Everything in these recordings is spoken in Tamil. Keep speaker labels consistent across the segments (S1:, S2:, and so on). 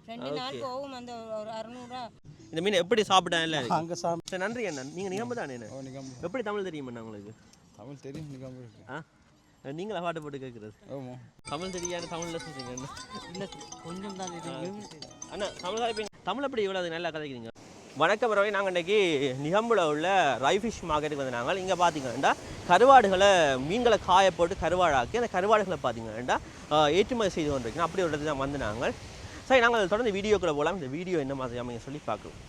S1: 2 நாள் போகும் அந்த ஒரு 600
S2: இந்த மீன் எப்படி சாப்பிட்டா இல்லை அங்கே சாப்பிட்டு நன்றி அண்ணா நீங்கள் நிகம்பு தானே எப்படி தமிழ் தெரியுமா உங்களுக்கு
S3: தமிழ் தெரியும் நிகம்பு இருக்கு
S2: நீங்களா பாட்டு போட்டு கேட்குறது
S3: ஆமாம்
S2: தமிழ் தெரியாது தமிழில் சொல்கிறீங்க
S1: இல்லை கொஞ்சம் தான் தெரியும்
S2: அண்ணா தமிழ் கதைப்பீங்க தமிழ் எப்படி இவ்வளோ நல்லா கதைக்கிறீங்க வணக்கம் ரவி நாங்கள் இன்றைக்கி நிகம்பில் உள்ள ரைஃபிஷ் மார்க்கெட்டுக்கு வந்து நாங்கள் இங்கே பார்த்தீங்கன்னா கருவாடுகளை மீன்களை காய போட்டு கருவாடாக்கி அந்த கருவாடுகளை பார்த்தீங்கன்னா ஏற்றுமதி செய்து கொண்டிருக்கோம் அப்படி ஒரு இடத்துல தான் வந்து நாங்கள் சரி நாங்கள் தொடர்ந்து வீடியோக்குள்ளே போகலாம் இந்த வீடியோ என்ன மாதிரி அமைங்க சொல்லி பார்க்கலாம்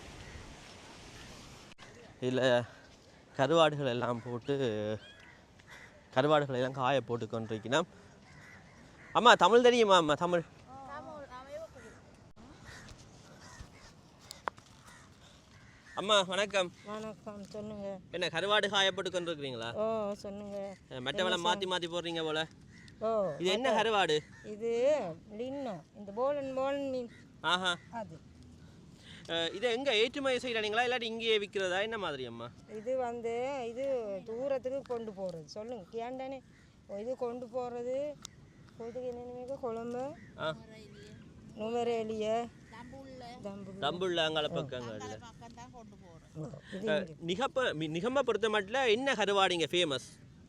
S2: இதில் கருவாடுகள் எல்லாம் போட்டு கருவாடுகளை எல்லாம் காய போட்டு கொண்டிருக்கணும் அம்மா தமிழ் தெரியுமா அம்மா தமிழ் அம்மா வணக்கம்
S1: வணக்கம் சொல்லுங்க
S2: என்ன கருவாடு காய போட்டு கொண்டிருக்கிறீங்களா
S1: ஓ சொல்லுங்க
S2: மெட்ட வேலை மாற்றி போடுறீங்க போல
S1: ஓ
S2: இது என்ன கருவாடு
S1: இது லின்னா இந்த போலன் மீன்
S2: ஆஹா
S1: அது
S2: இது எங்கே ஏற்றுமதி செய்கிறாங்களா இல்லாட்டி இங்கேயே விற்கிறதா என்ன மாதிரி அம்மா
S1: இது வந்து இது தூரத்துக்கு கொண்டு போகிறது சொல்லுங்க ஏன்டானே இது கொண்டு போகிறது பொதுக்கு என்னென்ன குழம்பு நுவரேலிய
S2: தம்புள்ள அங்கால பக்கங்கள் நிகம்ப பொறுத்த மட்டும் என்ன கருவாடு இங்கே ஃபேமஸ்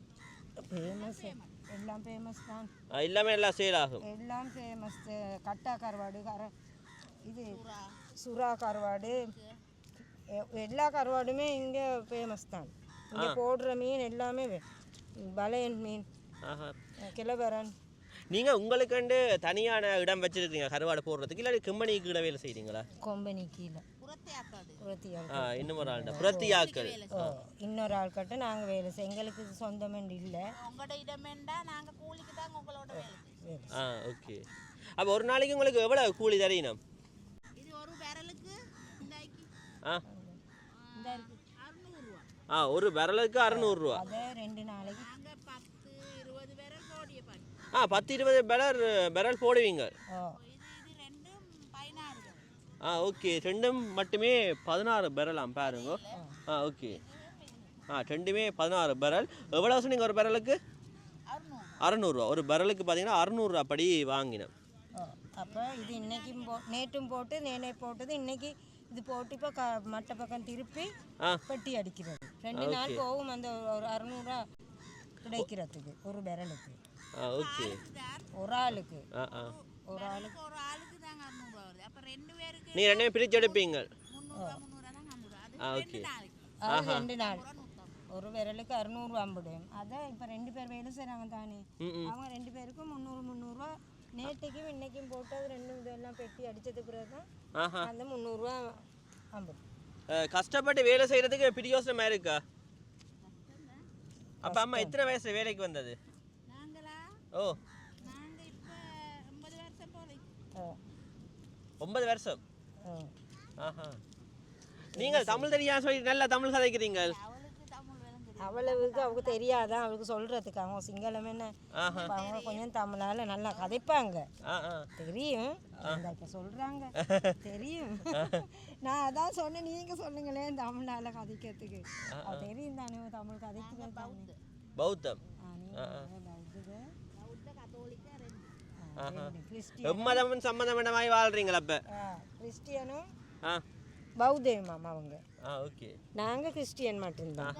S1: எல்லாம் ஃபேமஸ் தான்
S2: எல்லாமே எல்லாம் சேல் ஆகும்
S1: எல்லாம் ஃபேமஸ் கட்டா கருவாடு இது சுறா கருவாடு எல்லா கருவாடுமே இங்கே ஃபேமஸ் தான் இங்கே போடுற மீன் எல்லாமே பலையன் மீன் கிளவரன்
S2: நீங்கள் உங்களுக்குண்டு தனியான இடம் வச்சுருக்கீங்க கருவாடு போடுறதுக்கு இல்லாட்டி கம்பெனிக்கு கீழே வேலை செய்கிறீங்களா
S1: கொம்பனி கீழே
S2: இன்னொரு ஆள்கிட்ட புரத்தியாக்கள்
S1: இன்னொரு ஆள்கிட்ட நாங்கள் வேலை செய்ய எங்களுக்கு சொந்தமெண்டு இல்லை
S2: ஓகே அப்போ ஒரு நாளைக்கு உங்களுக்கு எவ்வளோ கூலி தரீனம் ஒரு விரலுக்கு 600 ரூபா
S1: 2 நாளைக்கு
S2: 10-20 பெரல் போடுவீங்க ஓகே ரெண்டும் மட்டுமே 16 பெரலாம் பாருங்க ஓகே ரெண்டுமே 16 பெரல் எவ்வளோ சொன்னீங்க ஒரு பெரலுக்கு 600 ரூபா ஒரு பெரலுக்கு பார்த்தீங்கன்னா 600 ரூபா படி வாங்கினேன்
S1: அப்போ இது இன்னைக்கும் நேற்றும் போட்டு நேனே போட்டது இன்னைக்கு இது போட்டு இப்போ மற்ற பக்கம் திருப்பி பெட்டி அடிக்கிறது 2 நாள் போகும் அந்த ஒரு 600 ரூபா கிடைக்கிறதுக்கு ஒரு பெரலுக்கு
S2: ஓகே
S1: ஒரு ஆளுக்கு
S2: நீ ரெண்டே பிரிச்சு எடுப்பீங்க ஓகே
S1: 2 நாள் ஒரு விரலுக்கு 650 அதான் இப்போ 2 பேர் வேலை செய்கிறாங்க தானே அவங்க 2 பேருக்கும் 300 ரூபா நேற்றுக்கும் இன்னைக்கும் போட்டு அது 2 இதெல்லாம் பெட்டி அடித்தது பிறகு தான் அந்த 300 ரூபா 50
S2: கஷ்டப்பட்டு வேலை செய்கிறதுக்கு பிரியோசனமா இருக்கா அப்போ அம்மா எத்தனை வயசு வேலைக்கு வந்தது ஓ 9 வருஷம் நீங்கள் தமிழ் தெரியாது சொல்லி நல்லா தமிழ் கதைக்கிறீங்க
S1: அவ்வளவுக்கு அவங்க தெரியாதான் அவளுக்கு சொல்றதுக்கு அவங்க சிங்களம் என்ன அவங்க கொஞ்சம் தமிழால நல்லா கதைப்பாங்க தெரியும் இப்போ சொல்றாங்க தெரியும் நான் அதான் சொன்னேன் நீங்க சொல்லுங்களேன் தமிழால கதைக்கிறதுக்கு தெரியும் தானே தமிழ் கதைக்கிறது
S2: பௌத்தம் சம்பந்தமாய் வாழ்றீங்களா அப்ப
S1: கிறிஸ்டியனும் பௌத்தம் அவங்க
S2: ஓகே
S1: நாங்க கிறிஸ்டியன் மட்டும்தான்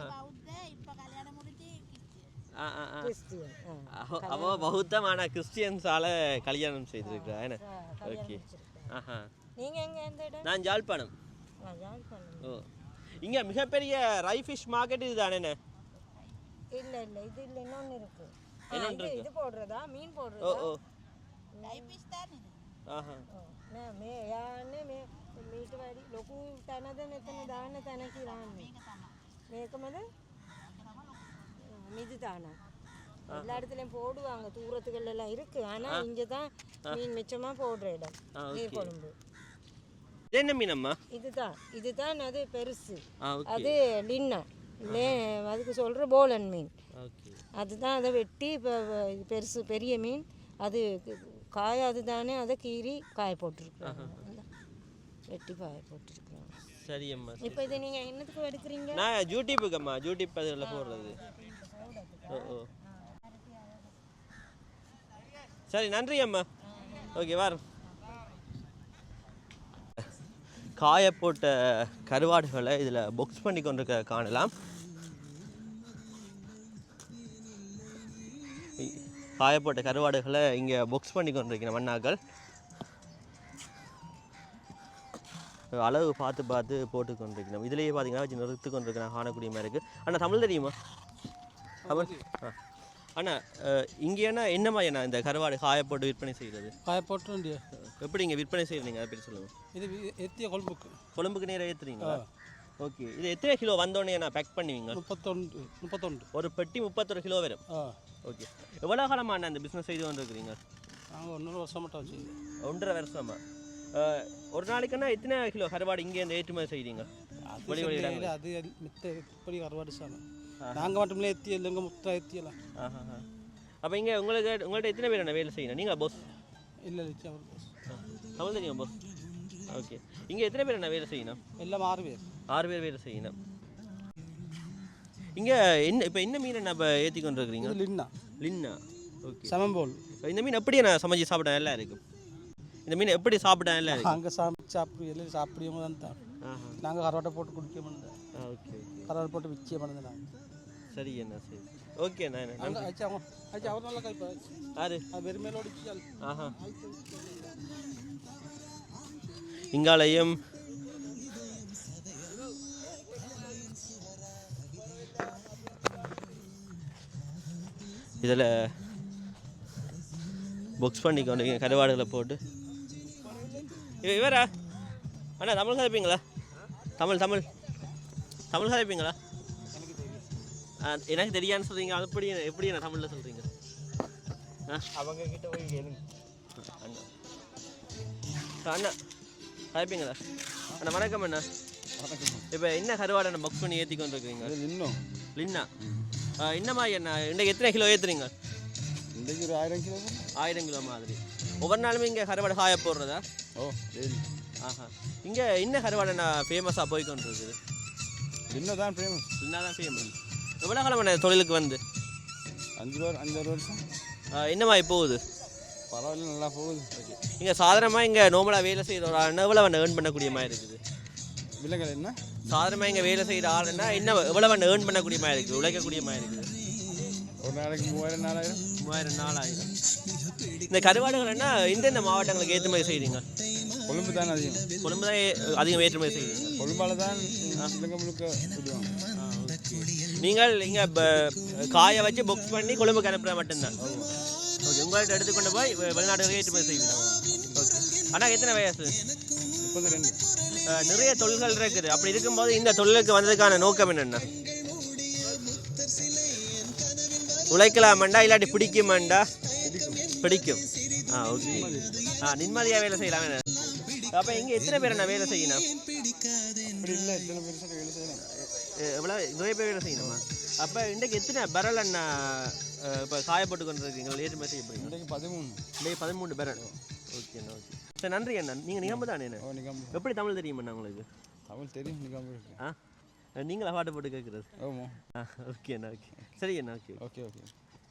S2: அவ பௌத்தம் ஆனா கிறிஸ்டியன்ஸால கல்யாணம் செய்திருக்கா ஓகே
S1: நீங்க எங்க எந்த இடம்
S2: நான் ஜாழ்ப்பாணம் ஓ இங்க மிகப்பெரிய ரைஃபிஷ் மார்க்கெட் இதுதானே
S1: இல்ல இது இல்ல இன்னொன்னு இருக்கு இது போடுறதா மீன் போடுறதா
S2: ஓ
S1: ரைஃபிஷ் தான் இது மே யாने මේ මීට වැඩි ලොකු තැනද මෙතන දාන්න තැන කියන්නේ මේකමද மிது தானா எல்லா இடத்துலையும் போடுவாங்க தூரத்துகள் எல்லாம் இருக்கு ஆனா இங்க தான் மீன் மிச்சமா போடுற இடம் நீர் கொழும்பு
S2: என்ன மீனம்மா
S1: இதுதான் அது பெருசு அது லின்னா அதுக்கு சொல்ற போலன் மீன் அதுதான் அதை வெட்டி இப்போ பெருசு பெரிய மீன் அது காயாது தானே அதை கீறி காய போட்டுருக்குறாங்க வெட்டி காய போட்டுருக்குறாங்க
S2: சரி அம்மா
S1: இப்போ இதை நீங்கள் என்னத்துக்கு எடுக்கிறீங்க
S2: நான் யூடியூப்புக்கும்மா யூடியூப் அதில் போடுறது ஓ சரி நன்றி அம்மா ஓகே வரோம் காயப்போட்ட கருவாடுகளை இதில் பாக்ஸ் பண்ணி கொண்டிருக்க காணலாம். காயப்போட்ட கருவாடுகளை இங்கே பாக்ஸ் பண்ணி கொண்டிருக்கிற மண்ணாக்கள் அளவு பார்த்து பார்த்து போட்டு கொண்டிருக்கணும். இதுலேயே பார்த்தீங்கன்னா வச்சு நிறுத்து கொண்டிருக்கிறேன் காணக்கூடிய மாதிரி இருக்குது. அண்ணா தமிழ் தெரியுமா? தமிழ். அண்ணா இங்கே என்ன மாதிரிண்ணா இந்த கருவாடு காயப்போட்டு விற்பனை செய்கிறது?
S4: காயப்போட்டு
S2: எப்படி இங்கே விற்பனை செய்கிறீங்க அதை பற்றி சொல்லுங்கள்.
S4: இது எத்திய
S2: கொழும்புக்கு நேரம் ஏற்றுறீங்களா? ஓகே. இது எத்தனை கிலோ வந்தோடனே நான் பேக் பண்ணுவீங்க?
S4: 31.
S2: ஒரு பெட்டி 31 கிலோ வரும். ஓகே. எவ்வளோ காலமாக அந்த பிஸ்னஸ் செய்து கொண்டு இருக்கிறீங்க?
S4: நாங்கள் 1.5 வருஷம் மட்டும் வச்சு.
S2: 1.5 வருஷமா? ஒரு நாளைக்குன்னா எத்தனை கிலோ கருவாடு இங்கே இந்த ஏற்றுமதி செய்கிறீங்க?
S4: அது மித்த இப்படி கருவாடு சார் நாங்கள் மட்டுமே எத்தி இல்லைங்க முத்தா எத்தியலாம்.
S2: அப்போ இங்கே உங்கள்கிட்ட எத்தனை பேர் என்ன வேலை செய்யணும்? நீங்கள் பாஸ்?
S4: இல்லை அவர் பாஸ்.
S2: தமிழ் தெரியும் பாஸ்? ஓகே. இங்கே எத்தனை பேர் என்ன வேலை செய்யணும்?
S4: எல்லாம் 6 பேர்.
S2: 6 பேர் வேலை செய்யணும். இங்கே இப்போ என்ன மீன் என்ன இப்போ ஏற்றி கொண்டு இருக்கிறீங்க? லின்னா. ஓகே.
S4: சமம்போல்.
S2: இந்த மீன் எப்படி நான் சமைச்சு சாப்பிட நல்லா இருக்கும்? இந்த மீன் எப்படி சாப்பிட நல்லா இருக்கும்?
S4: அங்கே சமைச்சு எல்லாம் சாப்பிடுவோம் தான். நாங்கள் கருவாட்டை போட்டு குடிக்க மாட்டோம். ஓகே. கருவாட்டை போட்டு விற்க மாட்டோம் நாங்கள்.
S2: சரி என்ன சரி. ஓகே அண்ணா.
S4: அவர் நல்லா கைப்பா.
S2: யாரு?
S4: வெறுமேலோடு.
S2: இங்காலையும் இதில் புக்ஸ் பண்ணிக்கொண்டு கருவாடுகளை போட்டு இவரா அண்ணா தமிழ் கதைப்பீங்களா? தமிழ் கதைப்பீங்களா? எனக்கு தெரியான்னு சொல்கிறீங்க. அது எப்படி நான் தமிழில் சொல்கிறீங்க?
S3: அவங்க கிட்ட போய் கேளுங்க.
S2: அண்ணா கதைப்பீங்களா? அண்ணா வணக்கம் அண்ணா. இப்போ என்ன கருவாடை நம்ம புக் பண்ணி ஏற்றி கொண்டு இருக்கிறீங்க? லின்னா. என்ன மாதிரி அண்ணா இன்றைக்கு எத்தனை கிலோ ஏற்றுறீங்க?
S3: இன்றைக்கு ஒரு 1000 கிலோ.
S2: 1000 கிலோ மாதிரி. ஒவ்வொரு நாளுமே இங்கே கருவாடை காய போடுறதா?
S3: சரி.
S2: இங்கே என்ன கருவாடை நான் ஃபேமஸாக போய் கொண்டு இருக்குது?
S3: லின்னா தான் ஃபேமஸ்.
S2: எவ்வளோ காலம் தொழிலுக்கு வந்து?
S3: 5 வருஷம்.
S2: என்ன மாதிரி போகுது?
S3: பரவாயில்ல, நல்லா போகுது.
S2: ஓகே. இங்கே சாதாரணமாக இங்கே நார்மலாக வேலை செய்கிற ஒரு ஆளுன்னா எவ்வளோ ஏர்ன் பண்ணக்கூடிய மாதிரி இருக்குது?
S3: விலங்கல் என்ன
S2: சாதாரணமாக இங்கே வேலை செய்கிற ஆளுன்னா எவ்வளோ ஏர்ன் பண்ணக்கூடிய மாதிரி இருக்குது, உழைக்கக்கூடிய மாதிரி இருக்குது?
S3: ஒரு நாளைக்கு 3000 4000.
S2: இந்த கருவாடுகள்னா எந்தெந்த மாவட்டங்களுக்கு ஏற்றுமதி செய்கிறீங்க?
S3: கொழும்பு தான் அதிகம்.
S2: கொழும்பு தான் அதிகம் ஏற்றுமதி செய்கிறீங்க.
S3: கொழும்பால தான் இலங்கை முழுக்க விடுவாங்க.
S2: நீங்கள் இங்கே காய வச்சு புக் பண்ணி கொழும்புக்கு அனுப்புகிற மட்டும்தான். ஓகே. உங்கள்கிட்ட எடுத்துக்கொண்டு போய் வெளிநாடுகளுக்கு ஏற்றுமதி செய்வீங்க. ஓகே. ஆனால் எத்தனை வயசு?
S3: 32.
S2: நிறைய தொழில்கள் இருக்குது. அப்படி இருக்கும்போது இந்த தொழிலுக்கு வந்ததுக்கான நோக்கம் என்னென்ன? உழைக்கலாமண்டா இல்லாட்டி பிடிக்குமாண்டா? பிடிக்கும். ஓகே. நிம்மதியாக வேலை செய்யலாம். அப்போ இங்கே எத்தனை பேர் என்ன வேலை செய்யணும்?
S3: அப்படி இல்லை, எத்தனை பேர் வேலை செய்யணும்?
S2: எவ்வளோ நிறைய பேர் வேலை செய்யணுமா? அப்போ இன்றைக்கு எத்தனை பரல் அண்ணா இப்போ காயப்பட்டு கொண்டு இருக்கீங்களா? ஏற்றுமதி செய்ய போகிறீங்க?
S3: இன்றைக்கு 13.
S2: இன்றைக்கு 13 பரல். ஓகேண்ணா. ஓகே. சரி நன்றி அண்ணா. நீங்கள் நிகம்பு தானே? எப்படி தமிழ் தெரியுமாண்ணா உங்களுக்கு?
S3: தமிழ் தெரியும். நிகம்பு இருக்கு.
S2: நீங்களா பாட்டு போட்டு கேட்குறது?
S3: ஆமாம்.
S2: ஓகே அண்ணா. ஓகே. சரி அண்ணா. ஓகே.
S3: ஓகே.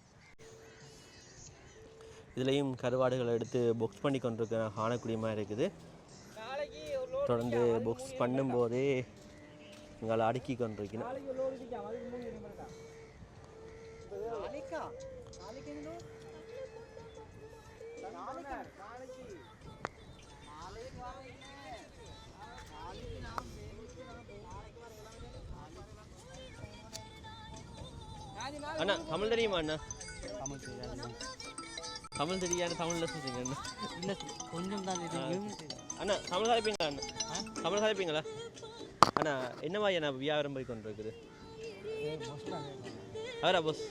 S2: இதுலேயும் கருவாடுகளை எடுத்து புக்ஸ் பண்ணி கொண்டிருக்க காணக்கூடிய மாதிரி இருக்குது. தொடர்ந்து புக்ஸ் பண்ணும்போதே உங்களை அடுக்கி கொண்டிருக்கணும். அண்ணா தமிழ் தெரியுமா அண்ணா? தமிழ் தெரியாது. தமிழில் சொல்கிறீங்க அண்ணா?
S4: இல்லை, கொஞ்சம் தான் தெரியும்.
S2: அண்ணா தமிழ் கதைப்பீங்களா? அண்ணா தமிழ் கதைப்பீங்களா? அண்ணா என்ன மாதிரி அண்ணா வியாபாரம் போய் கொண்டு இருக்குது? அவரா பாஸ்?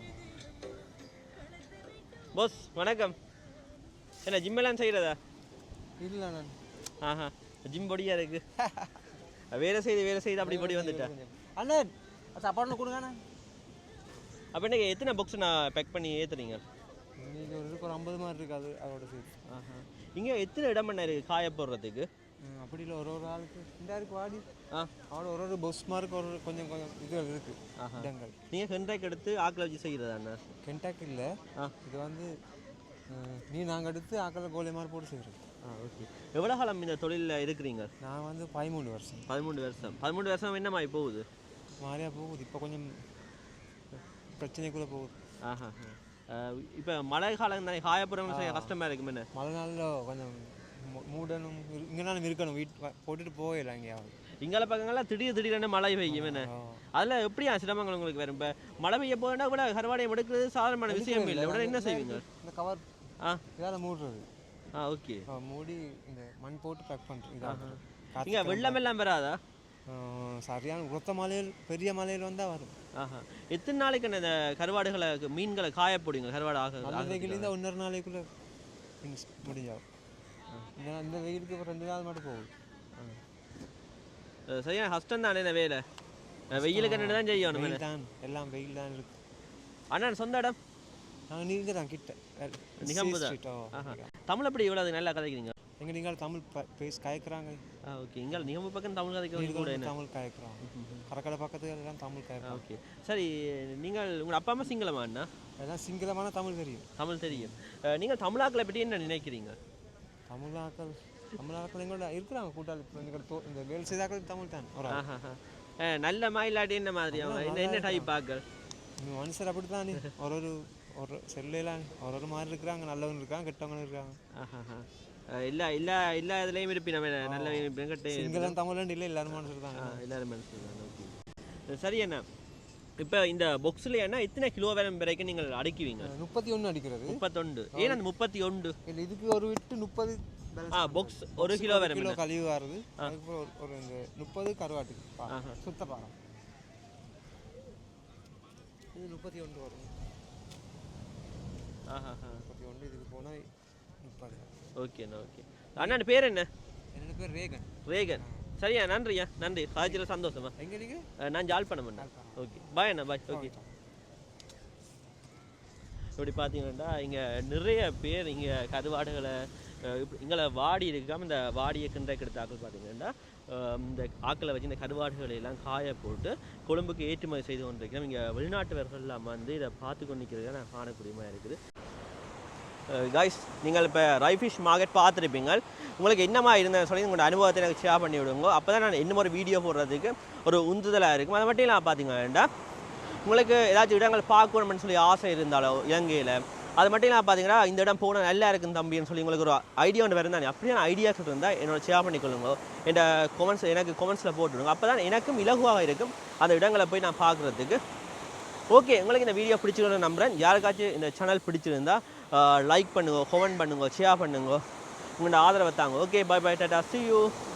S2: பாஸ் வணக்கம். என்ன ஜிம்மெல்லாம் செய்கிறதா?
S4: இல்லை.
S2: ஜிம் பொடியாக இருக்கு. வேலை செய்து அப்படி பொடி வந்துட்டேன்.
S4: அண்ணன் சாப்பாடு கொடுங்கண்ணா.
S2: அப்போ என்ன எத்தனை புக்ஸ் நான் பேக் பண்ணி ஏற்றுறீங்க?
S4: இன்றைக்கி ஒரு 50 மாதிரி இருக்காது அதோட சேர்த்து.
S2: இங்கே எத்தனை இடம் பண்ண இருக்குது காய போடுறதுக்கு?
S4: அப்படி இல்லை, ஒரு ஆளுக்கு இந்த ஆளுக்கு வாடி அவனோட ஒரு பஸ் மார்க் கொஞ்சம் இது இருக்குது இடங்கள்.
S2: நீங்கள் கென்டாக் எடுத்து ஆக்கில் வச்சு செய்கிறதா அண்ணா?
S4: கென்டாக் இல்லை, இது வந்து நாங்கள் எடுத்து ஆக்கில் கோழி மாதிரி போட்டு செய்கிறோம்.
S2: ஓகே. எவ்வளோ காலம் இந்த தொழிலில் இருக்கிறீங்க?
S4: நான் வந்து 13 வருஷம்.
S2: 13 வருஷம். 13 வருஷம் என்ன மாதிரி போகுது?
S4: மாதிரியாக போகுது. இப்போ கொஞ்சம் பிரச்சனைக்குள்ளே போகுது.
S2: ஆஹா. இப்போ மழை காலம் தானே, காயப்புறம் கஷ்டமாக இருக்கும். என்ன
S4: மழை நாளில் கொஞ்சம் மூடணும், இங்கேனாலும் இருக்கணும், போட்டுட்டு போயிடலாம் எங்கேயாவது.
S2: இங்கால பக்கங்கள்லாம் திடீர்னு மழை பெய்யும். என்ன அதில் எப்படியா சிரமங்கள் உங்களுக்கு வரும்? இப்போ மழை பெய்ய போனா கூட கருவாடையை எடுக்கிறது சாதாரணமான விஷயம் இல்லை. உடனே என்ன செய்வீங்க?
S4: இந்த கவர் இதால் மூடுறது.
S2: ஓகே.
S4: மூடி இந்த மண் போட்டு பேக் பண்ணுறது.
S2: இங்கே வெள்ளம் எல்லாம் வராதா?
S4: சரியான உரத்த மலையில், பெரிய மலையில் வந்தால் வரும்.
S2: எத்தனை நாளைக்கு இந்த கருவாடுகளை மீன்களை காயப்படுங்க? கருவாடு
S4: நல்ல வெயிலேருந்து 1.5 நாளைக்குள்ளே முடிஞ்சாகும். இந்த வெயிலுக்கு ஒரு 2 நாள் மட்டும் போகுது.
S2: சரியான கஷ்டம் தானே இந்த வேலை. வெயிலுக்கு என்ன தான் செய்யணும்?
S4: வெயில் தான், எல்லாம் வெயில் தான் இருக்கு.
S2: அண்ணா சொந்த இடம்?
S4: நாங்கள் நீங்கள் தான் கிட்ட
S2: நிகம்பு தான். தமிழ் எப்படி இவ்வளோ நல்லா கதைக்கிறீங்க?
S4: எங்கள் நீங்கள் தமிழ் கயக்குறாங்க.
S2: ஓகே. இங்கே நிகம்பு பக்கம் தமிழ் கதைக்கிறீங்க கூட?
S4: தமிழ் கயக்குறோம். கரக்கடை பக்கத்துல எல்லாம் தமிழ் கயக்குறோம்.
S2: ஓகே. சரி, நீங்கள் உங்கள் அப்பா அம்மா சிங்களமா? அண்ணா
S4: எல்லாம் சிங்களமான தமிழ் தெரியும்.
S2: தமிழ் தெரியும். நீங்கள் தமிழாக்களை பற்றி என்ன நினைக்கிறீங்க?
S4: தமிழாக்கள் எங்களோட இருக்கிறாங்க கூட்டாளி. இந்த வேலை செய்தாக்கள் தமிழ் தான்.
S2: நல்லமா இல்லாட்டி என்ன மாதிரி? என்ன டைப் ஆக்கள்?
S4: மனுஷர் அப்படி தானே, ஒரு செல்லையெல்லாம் ஒரு மாதிரி இருக்கிறாங்க. நல்லவங்க இருக்காங்க, கெட்டவங்களும் இருக்காங்க.
S2: எல்லா இதுலேயும் இருப்பி நம்ம நல்ல
S4: சிங்களம் தமிழ் இல்லை, எல்லாரும் மனுஷர் தான்.
S2: எல்லாரும் மனுஷர் தான். ஓகே. சரி அண்ணா, இப்போ இந்த பாக்ஸில் என்ன எத்தனை கிலோ வரைக்கும் நீங்கள் அடிக்குவீங்க?
S4: 31 அடிக்கிறது.
S2: 31. ஏன் அந்த 31?
S4: இல்லை, இதுக்கு ஒரு விட்டு 30
S2: பாக்ஸ் 1 கிலோ வரை
S4: கிலோ கழிவு வருது. அதுக்கப்புறம் ஒரு இந்த 30 கருவாட்டுக்கு சுத்த பாரம். இது 31 வரும். 31 இதுக்கு போனால் 30.
S2: ஓகேண்ணா. ஓகே. அண்ணா பேர் என்ன?
S4: என்னோட பேர் ரேகன்.
S2: ரேகன். சரியா, நன்றியா. நன்றி. காய்ச்சல் சந்தோஷமா.
S4: எங்கே நீங்கள்?
S2: நான் ஜாழ்ப்பாணம் அண்ணா. ஓகே, பாய் அண்ணா. பாய். ஓகே. இப்படி பார்த்தீங்கன்னா இங்கே நிறைய பேர் இங்கே கருவாடுகளை இங்கே வாடி இருக்காமல் இந்த வாடியை கிண்டக்கு எடுத்த ஆக்கள் பார்த்தீங்கன்னா இந்த ஆக்களை வச்சு இந்த கருவாடுகளை எல்லாம் காய போட்டு கொழும்புக்கு ஏற்றுமதி செய்து கொண்டிருக்கிறோம். இங்கே வெளிநாட்டவர்கள்லாம் வந்து இதை பார்த்து கொண்டு நிற்கிறது நான் காணக்கூடியமாக இருக்குது. கைஸ், நீங்கள் இப்போ ரைஃபிஷ் மார்க்கெட் பார்த்துருப்பீங்க. உங்களுக்கு என்னமா இருந்தேன்னு சொல்லி உங்களோட அனுபவத்தை எனக்கு ஷேர் பண்ணி விடுங்க. அப்போ தான் நான் இன்னும் ஒரு வீடியோ போடுறதுக்கு ஒரு உந்துதலாக இருக்கும். அதை மட்டும் நான் பார்த்தீங்கன்னா உங்களுக்கு ஏதாச்சும் இடங்கள் பார்க்கணும்னு சொல்லி ஆசை இருந்தாலோ இலங்கையில், அது மட்டும் நான் பார்த்தீங்கன்னா இந்த இடம் போனால் நல்லா இருக்குன்னு தம்பின்னு சொல்லி உங்களுக்கு ஒரு ஐடியா ஒன்று வருந்தானே, அப்படியான ஐடியாக்கள் இருந்தால் என்னோட ஷேர் பண்ணிக்கொள்ளுங்க. எனக்கு கொமெண்ட்ஸில் போட்டுவிடுங்க. அப்போ தான் எனக்கும் இலகுவாக இருக்கும் அந்த இடங்களை போய் நான் பார்க்குறதுக்கு. ஓகே, உங்களுக்கு இந்த வீடியோ பிடிச்சிக்கணும்னு நம்புகிறேன். யாருக்காச்சும் இந்த சேனல் பிடிச்சிருந்தா லைக் பண்ணுங்க, கமெண்ட் பண்ணுங்க, ஷேர் பண்ணுங்க, உங்களோட ஆதரவை தாங்க. ஓகே, பை பை, டாடா, see you.